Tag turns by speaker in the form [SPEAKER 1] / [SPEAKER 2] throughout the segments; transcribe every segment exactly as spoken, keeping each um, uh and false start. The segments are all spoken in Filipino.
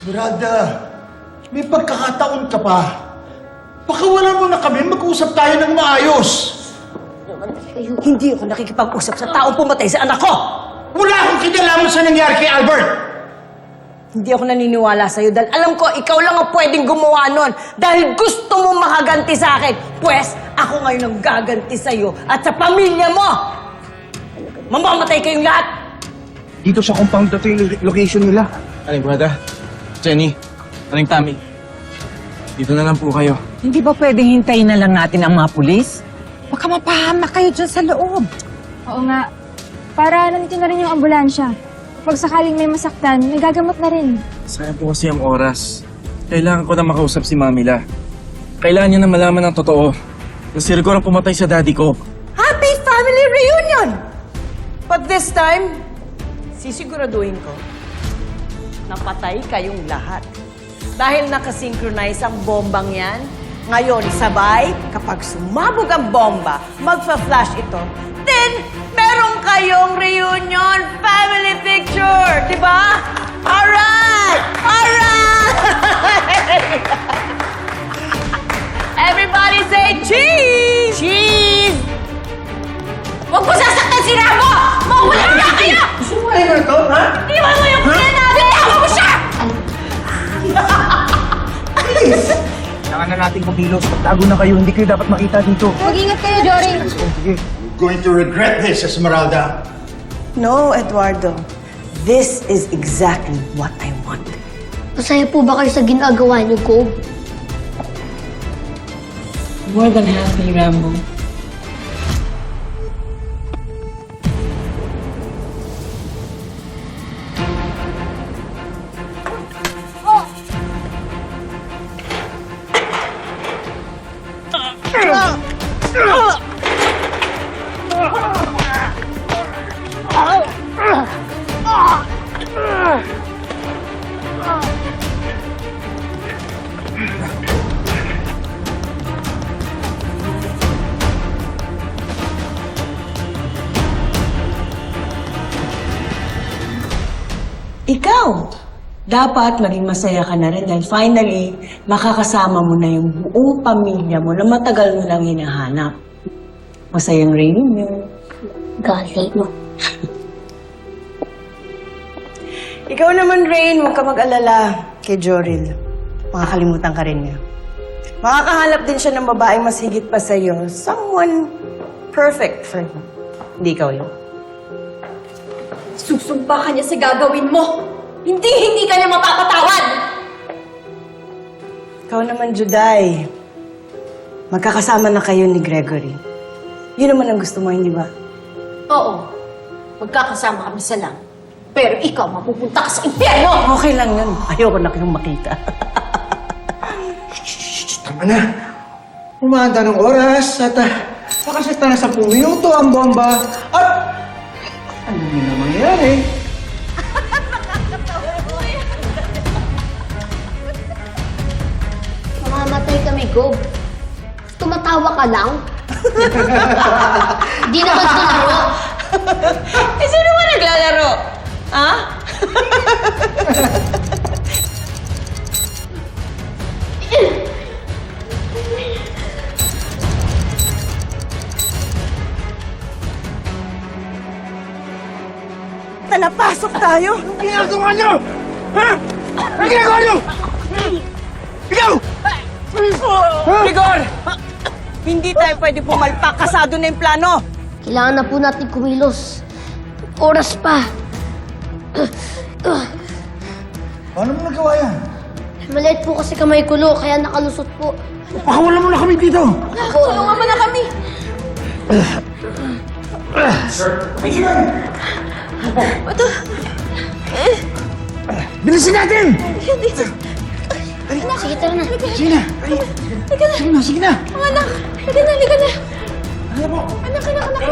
[SPEAKER 1] Brada, may pagkakataon ka pa. Pakawalan mo na kami, mag-usap tayo ng maayos.
[SPEAKER 2] Hindi ako nakikipag-usap sa taong pumatay sa anak ko!
[SPEAKER 1] Wala akong kinalaman sa nangyari kay Albert.
[SPEAKER 2] Hindi ako naniniwala sa'yo dahil alam ko ikaw lang ang pwedeng gumawa nun dahil gusto mo makaganti sa akin. Pwes, ako ngayon ang gaganti sa'yo at sa pamilya mo! Mamamatay kayong lahat!
[SPEAKER 3] Dito sa compound na ito yung location nila.
[SPEAKER 4] Aling brada, Jenny, Aling Tami, dito na lang po kayo.
[SPEAKER 5] Hindi ba pwedeng hintayin na lang natin ang mga pulis? Baka mapahamak kayo dyan sa loob.
[SPEAKER 6] Oo nga. Para nandito na rin yung ambulansya. Pag sakaling may masaktan, may gagamot na rin.
[SPEAKER 4] Sayang po kasi ang oras. Kailangan ko na makausap si Mamila. Kailangan niya na malaman ng totoo. Na si Rigor ang pumatay sa daddy ko.
[SPEAKER 2] Happy family reunion! But this time, sisiguraduhin ko na patay kayong lahat. Dahil nakasynchronize ang bombang yan, ngayon sabay, kapag sumabog ang bomba, magfa-flash ito, then meron kayong reunion family picture, di ba? Alright! Alright! Everybody say cheese! Cheese! Huwag mo sasaktan si Rambo! Mawala na kayo!
[SPEAKER 1] Gusto mo kayo ito, ha?
[SPEAKER 2] Iwan mo yung pina natin! Iwan mo siya!
[SPEAKER 3] Kailangan na natin kumilos. Magtago na kayo. Hindi kayo dapat makita dito.
[SPEAKER 6] Mag-ingat kayo, Jory.
[SPEAKER 3] Sige.
[SPEAKER 1] Going to regret this, Esmeralda.
[SPEAKER 2] No, Eduardo. This is exactly what I want.
[SPEAKER 7] Masaya po ba kayo sa ginagawa niyo, Gob?
[SPEAKER 5] More than happy, Rambo.
[SPEAKER 2] Ikaw, dapat maging masaya ka na rin dahil finally, makakasama mo na yung buong pamilya mo na matagal mo nang hinahanap. Masayang reunion.
[SPEAKER 7] Gali, no?
[SPEAKER 2] Ikaw naman, Rain, huwag ka mag-alala kay Joril. Makakalimutan ka rin niya. Makakahanap din siya ng babaeng mas higit pa sa'yo. Someone perfect for him. Hindi ikaw yun.
[SPEAKER 6] Susumpa ka niya sa gagawin mo. Hindi, hindi ka niya mapapatawad.
[SPEAKER 2] Ikaw naman, Juday. Magkakasama na kayo ni Gregory. Yun naman ang gusto mo, hindi ba?
[SPEAKER 6] Oo. Magkakasama kami sa lang. Pero ikaw, mapupunta ka sa impyerno!
[SPEAKER 2] Okay lang yun. Ayoko na kayong makita.
[SPEAKER 3] Tama na. Umanda ng oras at uh, nakasita na sa minuto ang bomba at ano yun na mangyayari?
[SPEAKER 7] Mamamatay kami, Gob. Tumatawa ka lang? Di naman ito laro.
[SPEAKER 2] eh, sino ba naglalaro? Ha? Talapasok tayo!
[SPEAKER 3] Anong ginagawa niyo? Ha? Anong ginagawa niyo? Ikaw!
[SPEAKER 2] Rigor! Hindi tayo pwede pumalpak. Kasado na yung plano.
[SPEAKER 7] Kailangan na po natin kumilos. Oras pa.
[SPEAKER 3] Paano mo nagawa yan?
[SPEAKER 7] Maliit po kasi kamay ko, Lo, kaya nakalusot po.
[SPEAKER 3] Pakawalan mo na kami dito!
[SPEAKER 6] Tulungan mo na kami!
[SPEAKER 3] Bilisin natin!
[SPEAKER 7] Sige, tara na.
[SPEAKER 3] Sige na! Sige na, sige na!
[SPEAKER 6] Mga anak, halika na, halika na. Anak, anak, anak.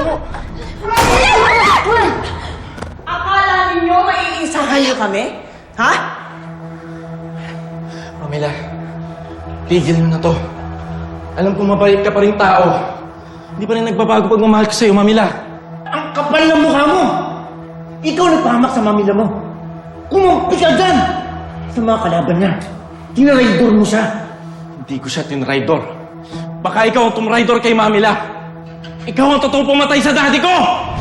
[SPEAKER 2] Akala ninyo maiisahan niyo kami? Ha?
[SPEAKER 4] Mamila, tigil mo na to. Alam ko mabait ka pa rin tao. Hindi pa rin nagbabago pagmamahal ko sa'yo, Mamila.
[SPEAKER 1] Ang kapal ng mukha mo! Ikaw nagpahamak sa mamila mo. Kumampi ka dyan! ng mga kalaban niya. Tinaraydor mo siya.
[SPEAKER 4] Hindi ko siya tinraidor. Baka ikaw ang tumraidor kay Mamila. Ikaw ang totoong pumatay sa daddy ko!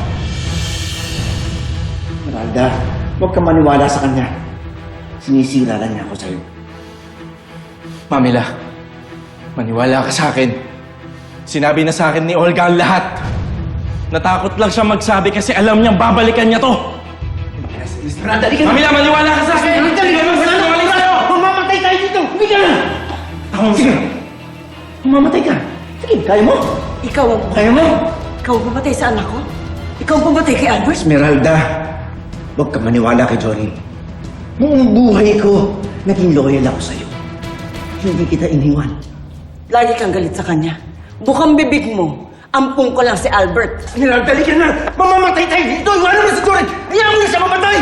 [SPEAKER 1] Esmeralda, huwag ka maniwala sa kanya. Sinisira lang niya ako sa'yo.
[SPEAKER 4] Mamila, maniwala ka sa akin. Sinabi na sa akin ni Olga ang lahat. Natakot lang siya magsabi kasi alam niyang babalikan niya to.
[SPEAKER 1] Esmeralda, di ka na!
[SPEAKER 4] Mamila, maniwala ka sa akin!
[SPEAKER 1] Esmeralda, di ka na!
[SPEAKER 4] Wala na, walis tayo!
[SPEAKER 1] Mamamatay tayo dito! Hindi ka na!
[SPEAKER 4] Tama mo
[SPEAKER 1] Sige! Mamamatay ka! Sige, kaya mo!
[SPEAKER 2] Ikaw ang...
[SPEAKER 1] Kaya mo!
[SPEAKER 2] Ikaw ang pumatay sa anak ko? Ikaw ang pumatay kay Albert?
[SPEAKER 1] Esmeralda, huwag ka maniwala kay Johnny. Buong buhay ko, naging loyal ako sa'yo. Hindi kita iniwan.
[SPEAKER 2] Lagi kang galit sa kanya. Bukang bibig mo. Ampung ko lang si Albert.
[SPEAKER 1] Esmeralda, di ka na! Mamamatay tayo dito! Iwanan mo si Johnny! Hayaan mo na siya mamatay!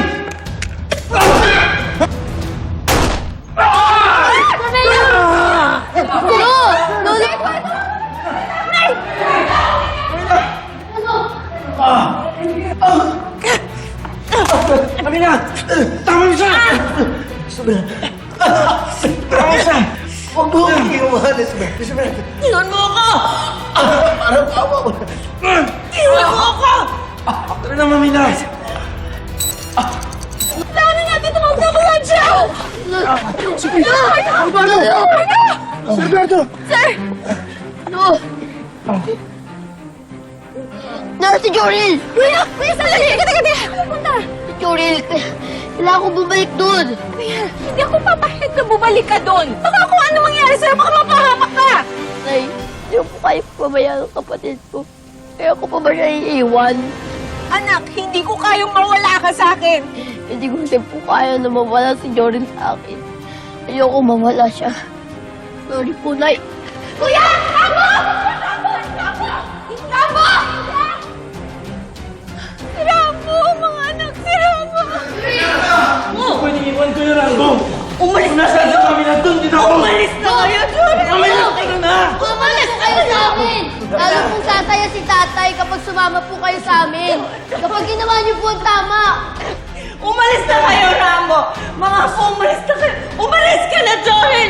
[SPEAKER 7] Lolo! Lolo!
[SPEAKER 1] Kami na! Tama mo siya! Tama mo siya! Huwag mo akong iiwanan, Esmeralda. Esmeralda.
[SPEAKER 2] Iwan mo ako!
[SPEAKER 1] Parang tawa mo.
[SPEAKER 2] Iwan mo ako!
[SPEAKER 4] Tara na, Mamila!
[SPEAKER 6] Kailangan natin tumawag na ambulansya!
[SPEAKER 1] Alvaro! Alberto!
[SPEAKER 7] No! Nara si Joril!
[SPEAKER 6] Kuya! Kuya, sandali! Teka, teka, teka! Pupunta!
[SPEAKER 7] Si Joril, kailangan ko bumalik doon.
[SPEAKER 6] Kuya, hindi ako papahit na bumalik ka doon. Baka kung ano mangyari sa'yo, baka mapahamak ka!
[SPEAKER 7] Nay, hindi ko po kayo pabayaan ng kapatid ko. Kaya ko pa ba siya iiwan?
[SPEAKER 6] Anak, hindi ko kayang mawala ka sa akin.
[SPEAKER 7] Hindi ko kasi po kaya na mawala si Joril sa akin. Ayoko mawala siya. Sorry po, Nay.
[SPEAKER 6] Kuya! Ramo! Ramo! Ramo! Si Ramo! Mga anak, si Ramo!
[SPEAKER 4] Pwede iwan ko yung Rambo!
[SPEAKER 2] Umalis na
[SPEAKER 4] Nasaan si Mamila? Doon din ako!
[SPEAKER 2] Umalis na kayo, Jordan!
[SPEAKER 4] Mamila, teka na!
[SPEAKER 7] Umalis kayo sa amin! Lalo pong sasaya si tatay kapag sumama po kayo sa amin. Kapag ginawa niyo po ang tama.
[SPEAKER 2] Umalis na kayo, Rambo! Mga apo, umalis na kayo! Umalis ka na, Joel!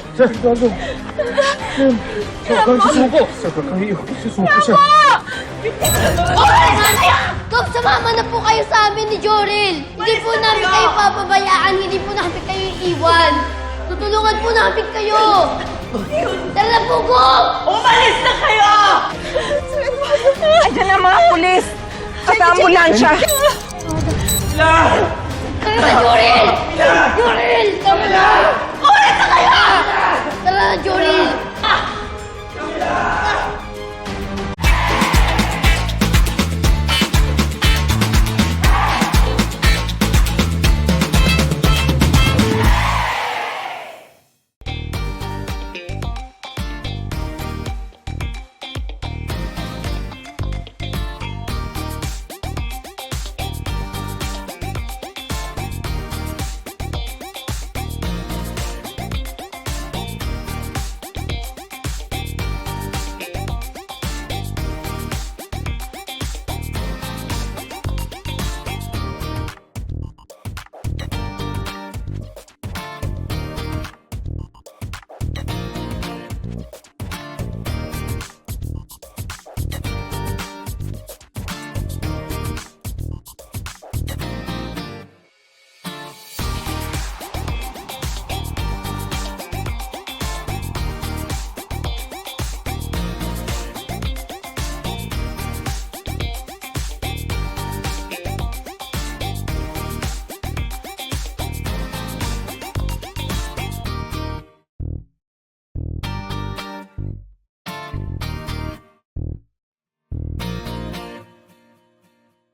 [SPEAKER 4] Susuko! Sabi kayo, susuko siya.
[SPEAKER 7] Umalis na kayo! Kap, sumama na po kayo sa amin ni Joril. Hindi po namin kayo papabayaan. Hindi po namin kayo iiwan. Tutulungan po namin kayo. Tara na po, Gop!
[SPEAKER 2] Umalis na kayo!
[SPEAKER 5] Ayan ang mga pulis! At ambulansya!
[SPEAKER 4] Mamila!
[SPEAKER 7] Kayo na, Joril! Joril! Tama na!